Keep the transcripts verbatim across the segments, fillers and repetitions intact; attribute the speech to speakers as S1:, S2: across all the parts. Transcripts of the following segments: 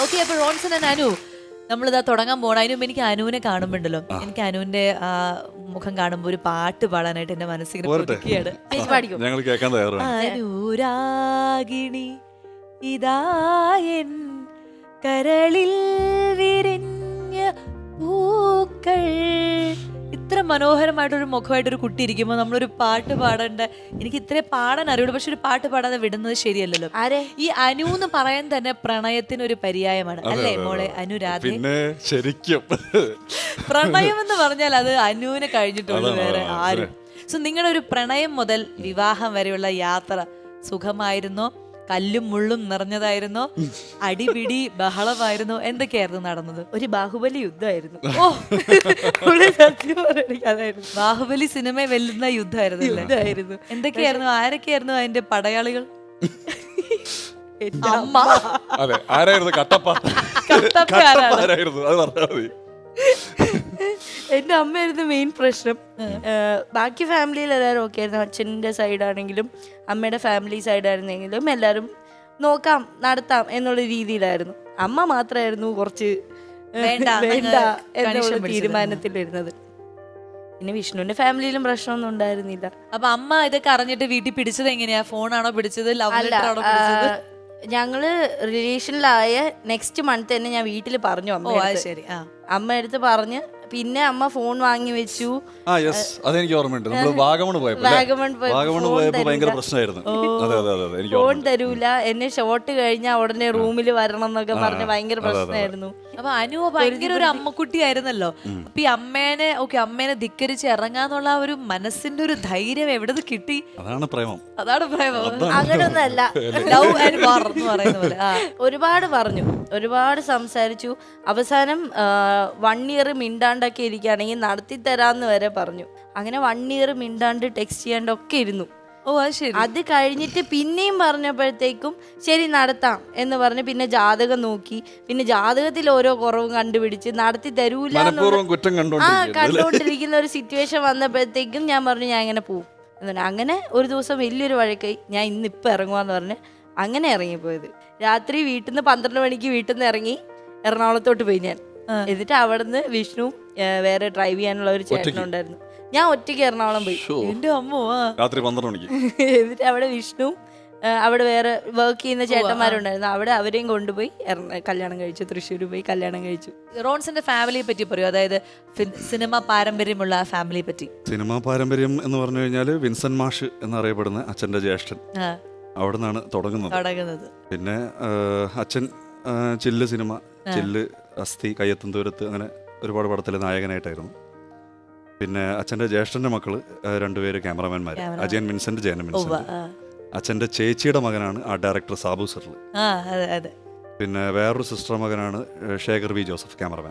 S1: Okay, അപ്പൊ Ronson and Anu നമ്മളിതാ തുടങ്ങാൻ പോണ. അതിനും എനിക്ക് അനുവിനെ കാണുമ്പോണ്ടല്ലോ, എനിക്ക് അനുവിന്റെ ആ മുഖം കാണുമ്പോ ഒരു പാട്ട് പാടാനായിട്ട് എന്റെ മനസ്സിങ്ങനെ കൊതിക്കുകയാണ്.
S2: ഞങ്ങൾ കേൾക്കാൻ തയ്യാറാണ്.
S1: അനുരാഗിണി ഇതായൻ കരളിൽ വിരിഞ്ഞ പൂക്കൾ. ഇത്ര മനോഹരമായിട്ടൊരു മുഖമായിട്ടൊരു കുട്ടി ഇരിക്കുമ്പോൾ നമ്മളൊരു പാട്ട് പാടേണ്ട, എനിക്ക് ഇത്രേ പാടാൻ അറിയുള്ളൂ, പക്ഷെ ഒരു പാട്ട് പാടാതെ വിടുന്നത് ശരിയല്ലല്ലോ. ഈ അനു എന്ന് പറയാൻ തന്നെ പ്രണയത്തിനൊരു പര്യായമാണ് അല്ലേ മോളെ അനുരാധ?
S2: പിന്നെ ശരിക്കും
S1: പ്രണയം എന്ന് പറഞ്ഞാൽ അത് അനുവിനെ കഴിഞ്ഞിട്ടുള്ളൂ, വേറെ ആരും. സോ നിങ്ങളുടെ ഒരു പ്രണയം മുതൽ വിവാഹം വരെയുള്ള യാത്ര സുഖമായിരുന്നോ, കല്ലും മുള്ളും നിറഞ്ഞതായിരുന്നോ, അടിപിടി ബഹളമായിരുന്നോ, എന്തൊക്കെയായിരുന്നു നടന്നത്?
S3: ഒരു ബാഹുബലി യുദ്ധമായിരുന്നു.
S1: ഓ, ബാഹുബലി സിനിമ വെല്ലുന്ന യുദ്ധമായിരുന്നു. എന്തൊക്കെയായിരുന്നു, ആരൊക്കെയായിരുന്നു അതിന്റെ പടയാളികൾ? അമ്മ.
S2: അതെ, ആരായിരുന്നു കട്ടപ്പ?
S1: കട്ടപ്പ
S2: ആരായിരുന്നു അത് പറഞ്ഞാൽ മതി.
S3: എന്റെ അമ്മയായിരുന്നു മെയിൻ പ്രശ്നം. ബാക്കി ഫാമിലിയിൽ എല്ലാവരും ഓക്കെ ആയിരുന്നു. അച്ഛൻ്റെ സൈഡാണെങ്കിലും അമ്മയുടെ ഫാമിലി സൈഡായിരുന്നെങ്കിലും എല്ലാവരും നോക്കാം നടത്താം എന്നുള്ള രീതിയിലായിരുന്നു. അമ്മ മാത്രമായിരുന്നു കുറച്ച് വേണ്ട എന്നുള്ള തീരുമാനത്തിലിരുന്നത്. പിന്നെ വിഷ്ണുവിന്റെ ഫാമിലിയിലും പ്രശ്നമൊന്നും ഉണ്ടായിരുന്നില്ല.
S1: അപ്പൊ അമ്മ ഇതൊക്കെ അറിഞ്ഞിട്ട് വീട്ടിൽ പിടിച്ചത് എങ്ങനെയാ? ഫോണാണോ പിടിച്ചത്, ലവ് ലെറ്റർ ആണോ പിടിച്ചത്?
S3: ഞങ്ങള് റിലേഷനിലായ നെക്സ്റ്റ് മന്ത് തന്നെ ഞാൻ വീട്ടിൽ പറഞ്ഞു അമ്മ.
S1: ശരി,
S3: അമ്മ അടുത്ത് പറഞ്ഞ് പിന്നെ അമ്മ ഫോൺ വാങ്ങി വെച്ചു.
S2: ആ യെസ്, അതെനിക്ക് ഓർമ്മയുണ്ട്. നമ്മൾ വാഗമൺ പോയപ്പോൾ വാഗമൺ പോയപ്പോൾ ഭയങ്കര പ്രശ്നമായിരുന്നു. അതെ അതെ അതെ, എനിക്ക്
S3: ഫോൺ തരൂല, എന്നെ ഷോട്ട് കഴിഞ്ഞാൽ ഉടനെ റൂമിൽ വരണം എന്നൊക്കെ പറഞ്ഞ് ഭയങ്കര പ്രശ്നമായിരുന്നു.
S1: അപ്പൊ അനു ഭയങ്കര ഒരു അമ്മക്കുട്ടി ആയിരുന്നല്ലോ. അപ്പൊ ഈ അമ്മേനെ ഓക്കെ അമ്മേനെ ധിക്കരിച്ച് ഇറങ്ങാന്നുള്ള ഒരു മനസ്സിന്റെ ഒരു ധൈര്യം എവിടെ കിട്ടി?
S2: അതാണ് പ്രേമം.
S1: അതാണ് പ്രേമം.
S3: അങ്ങനൊന്നല്ല,
S1: ലവ് ആൻഡ് വാർ എന്ന് പറയുന്ന പോലെ.
S3: ഒരുപാട് പറഞ്ഞു, ഒരുപാട് സംസാരിച്ചു. അവസാനം വൺ ഇയർ മിണ്ടാണ്ടൊക്കെ ഇരിക്കുകയാണെങ്കിൽ നടത്തി തരാന്ന് വരെ പറഞ്ഞു. അങ്ങനെ വൺ ഇയർ മിണ്ടാണ്ട് ടെക്സ്റ്റ് ചെയ്യാണ്ടൊക്കെ ഇരുന്നു.
S1: ഓ അത് ശരി.
S3: അത് കഴിഞ്ഞിട്ട് പിന്നെയും പറഞ്ഞപ്പോഴത്തേക്കും ശരി നടത്താം എന്ന് പറഞ്ഞ് പിന്നെ ജാതകം നോക്കി. പിന്നെ ജാതകത്തിൽ ഓരോ കുറവും കണ്ടുപിടിച്ച് നടത്തി തരൂല ആ കണ്ടോണ്ടിരിക്കുന്ന ഒരു സിറ്റുവേഷൻ വന്നപ്പോഴത്തേക്കും ഞാൻ പറഞ്ഞു ഞാൻ ഇങ്ങനെ പോവും. അങ്ങനെ ഒരു ദിവസം വലിയൊരു വഴക്കായി. ഞാൻ ഇന്ന് ഇപ്പം ഇറങ്ങുവാന്ന് പറഞ്ഞ് അങ്ങനെ ഇറങ്ങിപ്പോയത്. രാത്രി വീട്ടിൽ നിന്ന് പന്ത്രണ്ട് മണിക്ക് വീട്ടിൽ നിന്ന് ഇറങ്ങി എറണാകുളത്തോട്ട് പോയി ഞാൻ. എന്നിട്ട് അവിടെ നിന്ന് വിഷ്ണു വേറെ ഡ്രൈവ് ചെയ്യാനുള്ള ഒരു ചേട്ടനുണ്ടായിരുന്നു. ഞാൻ ഒറ്റയ്ക്ക് എറണാകുളം പോയി.
S1: എന്റെ അമ്മോ,
S2: രാത്രി പന്ത്രണ്ട് മണിക്ക്.
S3: എന്നിട്ട് അവിടെ വിഷ്ണു അവിടെ വേറെ വർക്ക് ചെയ്യുന്ന ചേട്ടന്മാരുണ്ടായിരുന്നു. അവിടെ അവരെയും കൊണ്ടുപോയി കല്യാണം കഴിച്ചു. തൃശ്ശൂർ പോയി കല്യാണം കഴിച്ചു.
S1: റോൺസിന്റെ ഫാമിലിയെ പറ്റി പറയൂ, അതായത് സിനിമ പാരമ്പര്യമുള്ള ഫാമിലിയെ പറ്റി.
S2: സിനിമാ പാരമ്പര്യം എന്ന് പറഞ്ഞു കഴിഞ്ഞാൽ വിൻസെന്റ് മാഷ് എന്നറിയപ്പെടുന്ന അച്ഛന്റെ ജ്യേഷ്ഠൻ അവിടെ നിന്നാണ് തുടങ്ങുന്നത്. പിന്നെ അച്ഛൻ ചില്ല് സിനിമ, ചില്ല്, അസ്ഥി, കയ്യെത്തും ദൂരത്ത്, അങ്ങനെ ഒരുപാട് പടത്തിലെ നായകനായിട്ടായിരുന്നു. പിന്നെ അച്ഛൻ്റെ ജ്യേഷ്ഠൻ്റെ മക്കള് രണ്ടുപേര് ക്യാമറമാൻമാർ, അജയൻ വിൻസെന്റ്, ജയൻ വിൻസെന്റ്. അച്ഛൻ്റെ ചേച്ചിയുടെ മകനാണ് ആ ഡയറക്ടർ സാബു സർല്. പിന്നെ വേറൊരു സിസ്റ്റർ മകനാണ് ശേഖർ വി ജോസഫ്, ക്യാമറമാൻ.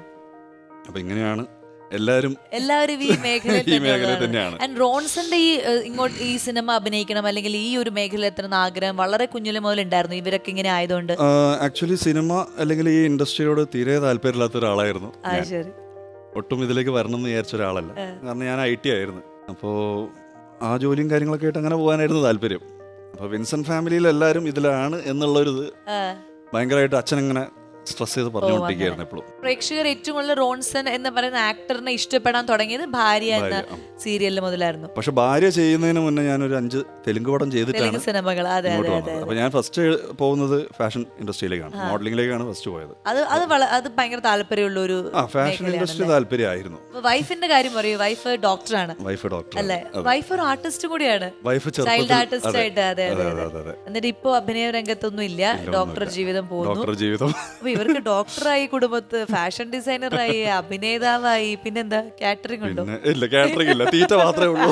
S2: അപ്പൊ ഇങ്ങനെയാണ് എല്ലാവരും
S1: എല്ലാവരും ഈ
S2: മേഖല തന്നെയാണ്.
S1: ആൻഡ് റോൺസന്റെ ഈ ഇങ്ങോട്ട് ഈ സിനിമ അഭിനയിക്കണം അല്ലെങ്കിൽ ഈ ഒരു മേഖല എത്തണം ആഗ്രഹം വളരെ കുഞ്ഞിലെ മുതൽ ഉണ്ടായിരുന്നു ഇവരൊക്കെ ഇങ്ങനെ ആയതുകൊണ്ട്?
S2: ആക്ച്വലി സിനിമ അല്ലെങ്കിൽ ഈ ഇൻഡസ്ട്രിയോട് തീരെ താല്പര്യമില്ലാത്ത ഒരാളായിരുന്നു. ഒട്ടും ഇതിലേക്ക് വരണം എന്ന് വിചാരിച്ച ഒരാളല്ല. കാരണം ഞാൻ ഐ ടി ആയിരുന്നു. അപ്പോൾ ആ ജോലിയും കാര്യങ്ങളൊക്കെ ആയിട്ട് അങ്ങനെ പോകാനായിരുന്നു താല്പര്യം. അപ്പോൾ വിൻസെന്റ് ഫാമിലിയിൽ എല്ലാവരും ഇതിലാണ് എന്നുള്ളൊരിത് ഭയങ്കരമായിട്ട് അച്ഛനങ്ങനെ സ്ട്രെസ് ചെയ്ത് പറഞ്ഞുകൊണ്ടിരിക്കുകയായിരുന്നു എപ്പോഴും.
S1: പ്രേക്ഷകർ ഏറ്റവും കൂടുതൽ റോൺസൺ എന്ന് പറയുന്ന ആക്ടറിനെ ഇഷ്ടപ്പെടാൻ തുടങ്ങിയത് ഭാര്യ എന്ന സീരിയലിൽ മുതലായിരുന്നു.
S2: പക്ഷെ ഭാര്യ ചെയ്യുന്നതിന് മുന്നേ ഞാനൊരു അഞ്ച് തെലുങ്ക് പടം ചെയ്തിട്ടാണ്
S1: സിനിമകൾ.
S2: അപ്പൊ ഞാൻ ഫസ്റ്റ് പോകുന്നത് ഫാഷൻ ഇൻഡസ്ട്രിയിലേക്കാണ്, മോഡലിംഗിലേക്കാണ് ഫസ്റ്റ് പോയത്.
S1: അത് അത് അത് ഭയങ്കര താല്പര്യമുള്ള ഒരു
S2: ഫാഷൻ ഇൻഡസ്ട്രി താല്പര്യമായിരുന്നു.
S1: വൈഫിന്റെ കാര്യം പറയൂ. വൈഫ് ഡോക്ടറാണ്.
S2: വൈഫ് ഡോക്ടർ
S1: അല്ലേ? വൈഫ് ഒരു ആർട്ടിസ്റ്റ് കൂടിയാണ്, ചൈൽഡ് ആർട്ടിസ്റ്റ് ആയിട്ട്. അതെ അതെ. എന്നിട്ട് ഇപ്പൊ അഭിനയ രംഗത്തൊന്നും ഇല്ല, ഡോക്ടർ ജീവിതം പോകുന്നു.
S2: ഡോക്ടർ ജീവിതം
S1: ഇവർക്ക് ഡോക്ടറായി, കുടുംബത്ത് ഫാഷൻ ഡിസൈനറായി, അഭിനേതാവായി, പിന്നെന്താ കാറ്ററിംഗ് ഉണ്ടോ?
S2: ഇല്ല, കാറ്ററിംഗ് ഇല്ല, തീറ്റ മാത്രമേ ഉള്ളൂ.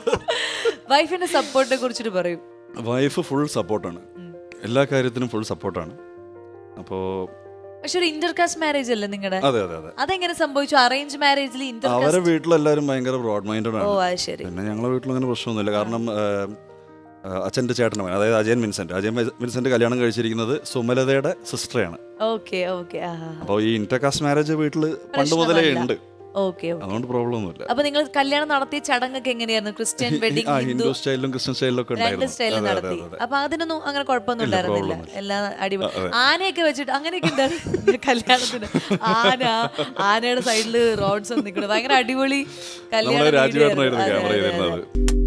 S1: വൈഫിന്റെ സപ്പോർട്ടിനെ കുറിച്ചിട്ട് പറയും.
S2: വൈഫ് ഫുൾ സപ്പോർട്ടാണ്, എല്ലാ കാര്യത്തിനും ഫുൾ സപ്പോർട്ടാണ്. അപ്പോ
S1: പക്ഷെ ഒരു ഇന്റർകാസ്റ്റ് മാരേജ് അല്ലേ നിങ്ങളുടെ?
S2: അതെ അതെ അതെ.
S1: അതെങ്ങനെ സംഭവിച്ചു? അറേഞ്ച് മാരേജിൽ
S2: അവരുടെ വീട്ടിലെല്ലാരും ഭയങ്കര ബ്രോഡ് മൈൻഡഡ് ആണ്.
S1: ഓ അത് ശരി.
S2: പിന്നെ ഞങ്ങളുടെ വീട്ടിൽ അങ്ങനെ പ്രശ്നമൊന്നുമില്ല. കാരണം അച്ഛൻ്റെ ചേട്ടൻ, അതായത് അജയൻ വിൻസെന്റ് അജയൻ വിൻസെന്റ് കല്യാണം കഴിച്ചിരിക്കുന്നത് സുമലതയുടെ സിസ്റ്ററാണ്.
S1: Okay okay.
S2: അപ്പോൾ ഈ ഇന്റർകാസ്റ്റ് മാരേജ് വീട്ടിൽ പണ്ട് മുതലേ ഉണ്ട്.
S1: ഓക്കെ.
S2: അതുകൊണ്ട് പ്രോബ്ലം ഒന്നുമില്ല.
S1: അപ്പൊ നിങ്ങൾ കല്യാണം നടത്തിയ ചടങ്ങൊക്കെ എങ്ങനെയായിരുന്നു? ക്രിസ്ത്യൻ വെഡിങ്,
S2: ആ ഹിന്ദു സ്റ്റൈലിലും ക്രിസ്ത്യൻ സ്റ്റൈലിലും ഒക്കെ
S1: രണ്ട്
S2: ഉണ്ടായിരുന്നു.
S1: സ്റ്റൈലിൽ
S2: അതെ, അതെ,
S1: നടത്തി.
S2: അതെ.
S1: അപ്പൊ അതിനൊന്നും അങ്ങനെ കുഴപ്പമൊന്നും ഉണ്ടായിരുന്നില്ല,
S2: problem
S1: എല്ലാം അടിപൊളി. ആനയൊക്കെ വെച്ചിട്ട് അങ്ങനെയൊക്കെ ഉണ്ടായിരുന്നു കല്യാണത്തിന്. ആന, ആനയുടെ സൈഡില് റോഡ്സ് നിൽക്കുന്നത് ഭയങ്കര അടിപൊളി
S2: നമ്മളെ
S1: കല്യാണം.
S2: രാജുവേട്ടനായിരുന്നു ക്യാമറ ചെയ്തിരുന്നത്.